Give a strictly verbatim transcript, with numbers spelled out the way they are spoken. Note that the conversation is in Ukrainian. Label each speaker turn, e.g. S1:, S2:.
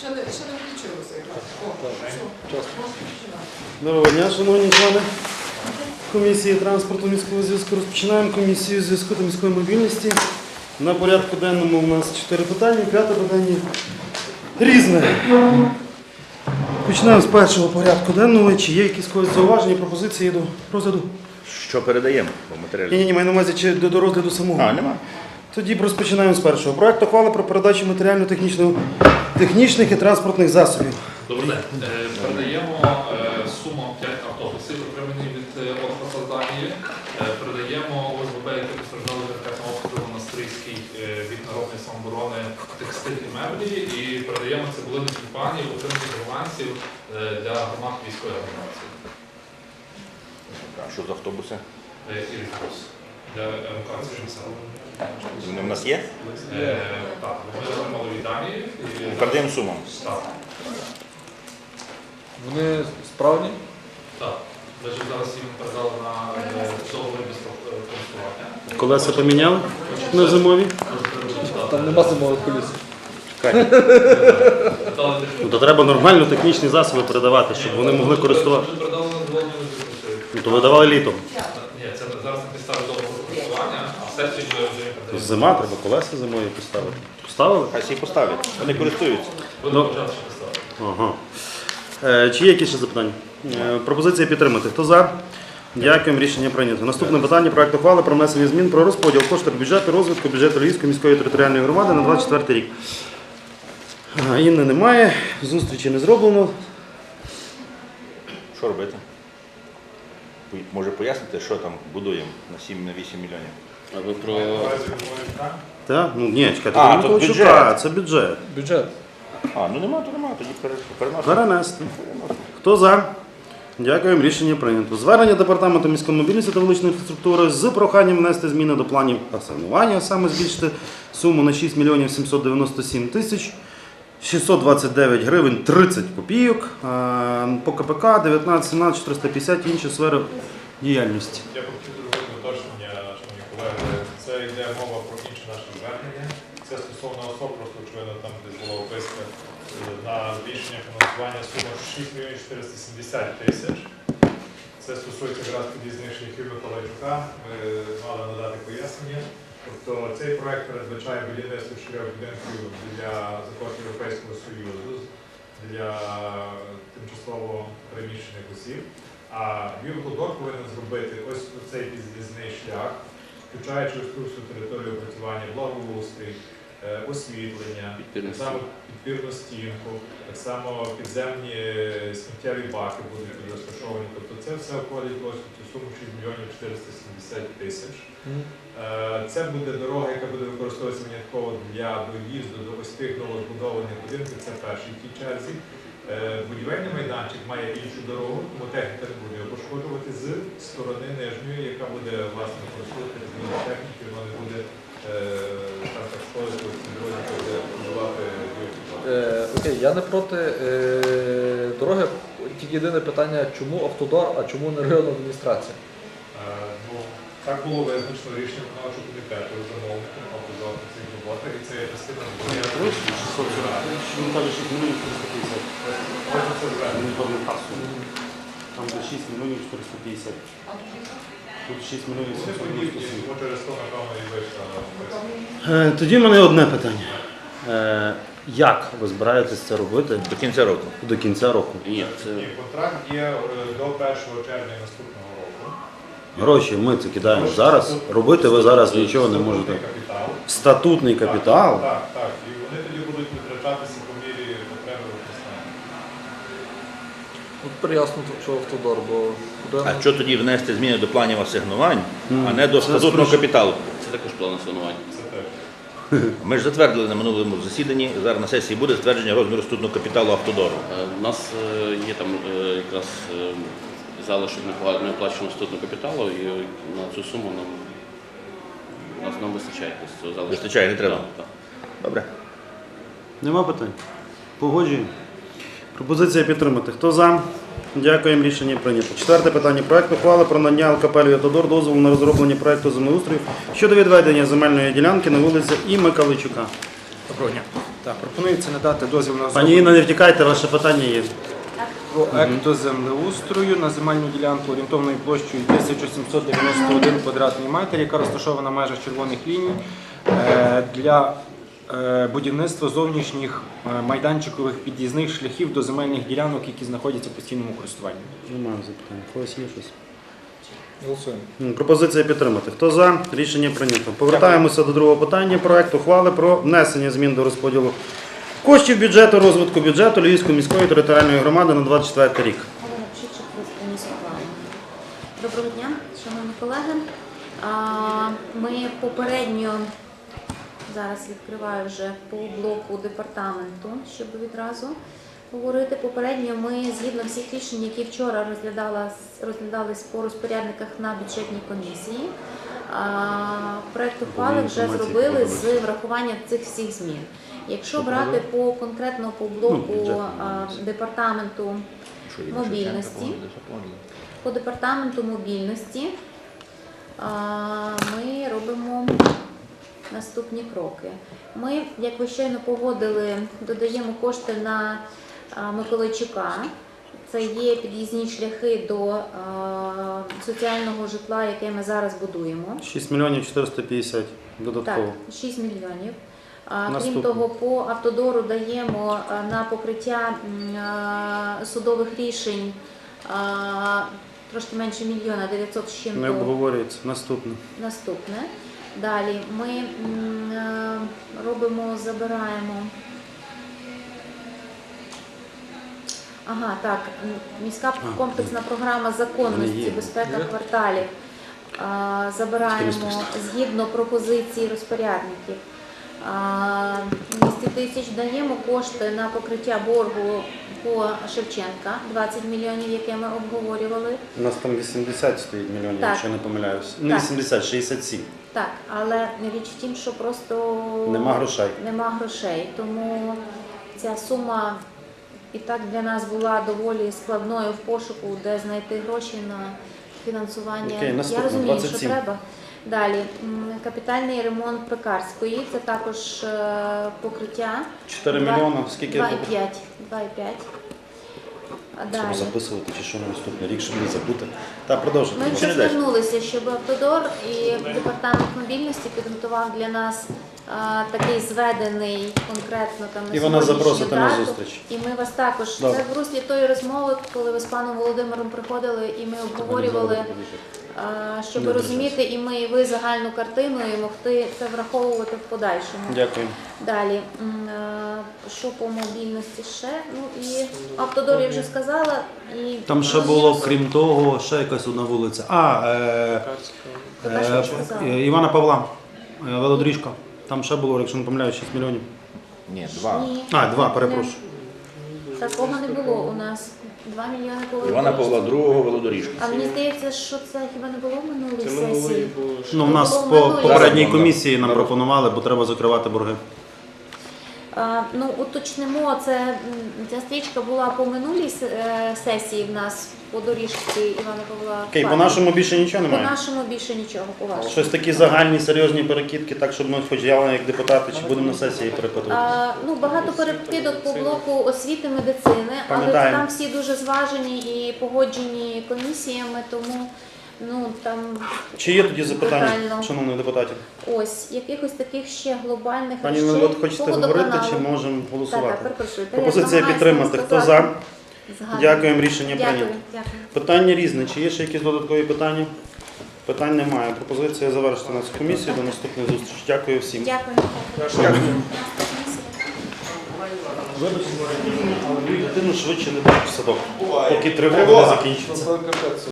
S1: Ще не, ще не включилося якраз. О, все.
S2: Доброго дня, шановні члени комісії транспорту міського зв'язку. Розпочинаємо комісію зв'язку та міської мобільності. На порядку денному у нас чотири питання, п'яте питання різне. Починаємо з першого порядку денного. Чи є якісь когось зауваження, пропозиції до розгляду?
S3: Що передаємо по матеріалі?
S2: Ні, ні, маю на увазі чи до, до розгляду самого.
S3: А, нема.
S2: Тоді розпочинаємо з першого. Проект ухвали про передачу матеріально-технічних і транспортних засобів.
S4: Добрий день. Е, Передаємо е, суму п'ять автобусів, отримані від Орфоса з Данії. Е, Передаємо ОСББ, які постраждали від ракетного обстрілу на Стрийській е, від народної самооборони текстиль і меблі. І передаємо цибулини компанії, отримані з авансів е, для громад військової організації.
S3: А що за автобуси?
S4: Е, І рекурс для евакуації населення.
S3: Вони в нас є?
S4: Е, Так, ми отримали від Данії. і-
S3: Передаємо сумам.
S4: Так.
S5: Вони справні?
S4: Так. Ми ж зараз їм передали на е, договір без користування.
S2: Колеса поміняли на зимові?
S5: Там нема зимових коліс.
S2: Ну, то треба нормально технічні засоби передавати, щоб вони могли користуватися.
S4: Ми передали на задоволення виробництва.
S2: Ну, то видавали літом.
S4: Ні, це зараз на підставі договору користування, а в сесії вже вже їм передаємо.
S2: Зима, треба колеса зимові поставити. Поставили?
S3: Хай всі поставлять. Вони користуються.
S4: Будемо почати ще поставити.
S2: Ага. Е, чи є якісь ще запитання? Е, пропозиція підтримати. Хто за? Дякуємо, рішення прийнято. Наступне питання. Проект ухвали про внесення змін про розподіл коштів бюджету розвитку бюджету Львівської міської територіальної громади на двадцять четвертий рік. Ага, Інни немає, зустрічі не зроблено.
S3: Що робити? Пой- Може пояснити, що там будуємо на сім-вісім мільйонів?
S6: А ви про
S2: Так? Ну, ні, чекайте,
S3: А,
S2: ви
S3: то
S2: Миколайчука,
S3: бюджет.
S2: це бюджет.
S5: Бюджет.
S3: А, ну нема, то нема, тоді пере- переносимо.
S2: Перенести. Хто за? Дякуємо, рішення прийнято. Звернення Департаменту міської мобільності та вуличної інфраструктури з проханням внести зміни до планів асигнування, а саме збільшити суму на шість мільйонів сімсот дев'яносто сім тисяч шістсот двадцять дев'ять гривень тридцять копійок. А, По КПК дев'ятнадцять сімнадцять чотириста п'ятдесят інші сфери діяльності.
S7: Я б хотів зробити уточнення, шановні колеги. Це йде мова про інші наші звернення. Це стосовно особ, просто очевидно, там десь була описка на збільшення фінансування суми шість мільйонів чотириста сімдесят тисяч. Це стосується якраз під'їзних шляхів Миколайчука. Ми мали надати пояснення. Тобто цей проект передбачає будівництво чотирьох будинків для за кошти Європейського Союзу для тимчасово переміщених осіб. А Львівавтодор повинен зробити ось цей під'їзний шлях, включаючи ось цю всю територію опрацювання, благоустрій, е, освітлення, так само підпірну стінку, так само підземні сміттєві баки будуть тут розташовані. Тобто це все входить ось в цю суму шість мільйонів чотириста сімдесят тисяч. Е, Це буде дорога, яка буде використовуватися винятково для доїзду до ось тих новозбудованих будинків, це перший в тій черзі. Е, Будівельний майданчик має іншу дорогу, тому техніка не буде його пошкоджувати з сторони нижньої, яка буде власне використовувати зміни техніки, вона не буде е, так так шкодити в цій дорозі, яка буде будувати Львівавтодор.
S5: Е, окей, я не проти е, дороги. Тільки єдине питання, чому автодор, а чому не районна адміністрація?
S7: Е, Ну, так було визначено рішення виконавчого комітету замовником автодор на цих роботах, і це є частина
S2: Він каже шість мільйонів чотириста п'ятдесят.
S7: Ось це звернення.
S2: Він повний касу. Там де шість мільйонів чотириста п'ятдесят. Тут шість мільйонів
S7: Вони
S2: сімсот дев'яносто
S7: подібні,
S2: сім.
S7: тому через то, напевно, і вийшла.
S2: Е, Тоді в мене одне питання. Е, Як ви збираєтесь це робити
S3: До кінця року.
S2: до кінця року?
S6: ні, це
S7: Ні, контракт є е, до першого червня наступного року.
S2: Гроші ми це кидаємо зараз. Робити ви зараз нічого не можете.
S7: Капітал.
S2: Статутний капітал.
S7: Так, так. І вони тоді будуть витрачатися по мірі потреби використання.
S5: От приясно, що автодор, бо куди
S3: А що тоді внести зміни до планів асигнувань,
S2: Ну,
S3: а не до
S2: це
S3: статутного
S2: спрошу.
S3: капіталу?
S6: це також план асигнувань.
S7: Це теж.
S3: Ми ж затвердили на минулому засіданні, зараз на сесії буде затвердження розміру статутного капіталу автодору.
S6: Е, У нас е, є там е, якраз е, залишок неоплаченого статутного капіталу, і на цю суму нам, нас, нам вистачає. Тобто цього залишку.
S3: Вистачає, не треба?
S6: Так, так.
S3: Добре.
S2: Нема питань? Погоджуємо. Пропозиція підтримати. Хто за? Дякуємо, рішення прийнято. Четверте питання. Проект ухвали про надання ЛКП «Львівавтодор» дозволу на розроблення проекту землеустрою щодо відведення земельної ділянки на вулиці І. Миколайчука.
S8: Доброго дня. Так, пропонується надати дозвіл на
S2: Пані Інна, не втікайте, ваше питання є.
S8: проекту землеустрою на земельну ділянку орієнтовною площею тисяча сімсот дев'яносто один квадратний метр, яка розташована в межах червоних ліній е, для е, будівництва зовнішніх е, майданчикових під'їзних шляхів до земельних ділянок, які знаходяться в постійному користуванні.
S2: Немає запитань. Когось є щось?
S5: Голосуємо.
S2: М, Пропозиція підтримати. Хто за? Рішення прийнято. Повертаємося до другого питання. Проект ухвали про внесення змін до розподілу коштів бюджету розвитку бюджету Львівської міської територіальної громади на двадцять четвертий рік.
S9: Олена Пшичик, міська плану. Доброго дня, шановні колеги. А, Ми попередньо, зараз відкриваю вже по блоку департаменту, щоб відразу говорити. Попередньо ми, згідно всіх рішень, які вчора розглядалась- розглядались по розпорядниках на бюджетній комісії, а, проект ухвали вже зробили з врахуванням цих всіх змін. Якщо брати по конкретно по блоку а, департаменту мобільності, по департаменту мобільності а, ми робимо наступні кроки. Ми, як ви щойно погодили, додаємо кошти на а, Миколайчука. Це є під'їзні шляхи до а, соціального житла, яке ми зараз будуємо.
S2: шість мільйонів чотириста п'ятдесят
S9: Так,
S2: додатково.
S9: шість мільйонів. А, Крім
S2: Наступне.
S9: того, по автодору даємо а, на покриття м, а, судових рішень а, трошки менше мільйона, дев'ятсот з
S2: Не
S9: чим-то.
S2: обговорюється. Наступне.
S9: Наступне. Далі ми м, е, робимо, забираємо. Ага, так, м, міська комплексна програма
S2: Вони
S9: законності,
S2: є.
S9: безпека кварталів. А, Забираємо згідно пропозицій розпорядників. А, двісті тисяч даємо кошти на покриття боргу по Шевченка, двадцять мільйонів, яке ми обговорювали.
S2: У нас там вісімдесят стоїть мільйонів,
S9: Так.
S2: якщо я не помиляюся. Не
S9: Так.
S2: вісімдесят, шістдесят сім.
S9: Так, але річ в тім, що просто
S2: Нема грошей.
S9: нема грошей. Тому ця сума і так для нас була доволі складною в пошуку, де знайти гроші на фінансування.
S2: Окей, наступне,
S9: Я розумію,
S2: двадцять сім.
S9: що треба. Далі, м, капітальний ремонт Пекарської, це також е, покриття.
S2: чотири
S9: Два-
S2: мільйони, скільки?
S9: два і п'ять. два і п'ять. А
S2: Щоб
S9: далі.
S2: записувати чи що на наступний рік, щоб не забути. Та продовжуйте.
S9: Ми
S2: будь
S9: вже
S2: ласка.
S9: звернулися, щоб Автодор і департамент мобільності підготував для нас а, такий зведений конкретно там на
S2: І вона
S9: сьогоднішню
S2: запросите на
S9: дату.
S2: зустріч.
S9: І ми вас також,
S2: Добре.
S9: це в руслі тої розмови, коли ви з паном Володимиром приходили і ми обговорювали, а, щоб
S2: Не
S9: розуміти і ми, і ви загальну картину і могти це враховувати в подальшому.
S2: Дякую.
S9: Далі, м, е, що по мобільності ще? Ну і Автодор я вже сказала. І
S2: Там ще було, крім того, ще якась одна вулиця. А, е,
S9: Така, що
S2: е,
S9: ви сказали?
S2: е, Івана Павла, е, велодріжка. Там ще було, якщо не помиляюсь, шість мільйонів.
S3: Ні, два.
S9: Ні.
S2: А, два, перепрошую.
S9: Такого не було у нас. Два мільйони було.
S3: Івана Павла другого велодоріжка.
S9: А мені здається, що це хіба не було в минулій сесії?
S2: Ну, в нас
S9: Було
S2: по
S9: минулої.
S2: попередній
S3: Зараз
S2: комісії нам
S3: було.
S2: пропонували, бо треба закривати борги.
S9: А, ну, уточнимо, це м, ця стрічка була по минулій с- е, сесії в нас по доріжці Івана Павла.
S2: Окей, по
S9: Павла.
S2: нашому більше нічого
S9: По
S2: немає.
S9: нашому більше нічого, по вашому.
S2: Щось такі загальні, серйозні перекидки, так, щоб ми хоч я, як депутати, чи будемо на сесії перепитувати.
S9: А, ну, багато перекидок по блоку освіти, медицини, але
S2: Пам'ятаємо.
S9: там всі дуже зважені і погоджені комісіями, тому ну там
S2: Чи є тоді запитання,
S9: Детально.
S2: шановних депутатів?
S9: ось якихось таких ще глобальних
S2: Пані
S9: речей
S2: Нелот, хочете
S9: по
S2: говорити,
S9: водоканалу.
S2: чи можемо
S9: Так,
S2: голосувати?
S9: так, перепрошую. Та я
S2: Пропозиція
S9: намагаюся
S2: підтримати. Хто за?
S9: сказати. Згадую.
S2: Дякуємо, рішення
S9: Дякую,
S2: прийнято.
S9: дякую.
S2: Питання різне. Чи є ще якісь додаткові питання? Питань немає. Пропозиція завершити нашу комісію. До наступної зустрічі. Дякую всім.
S9: Дякую. Дякую.
S2: Вибачте, але мою дитину швидше не дають в садок, поки тривога не закінчиться.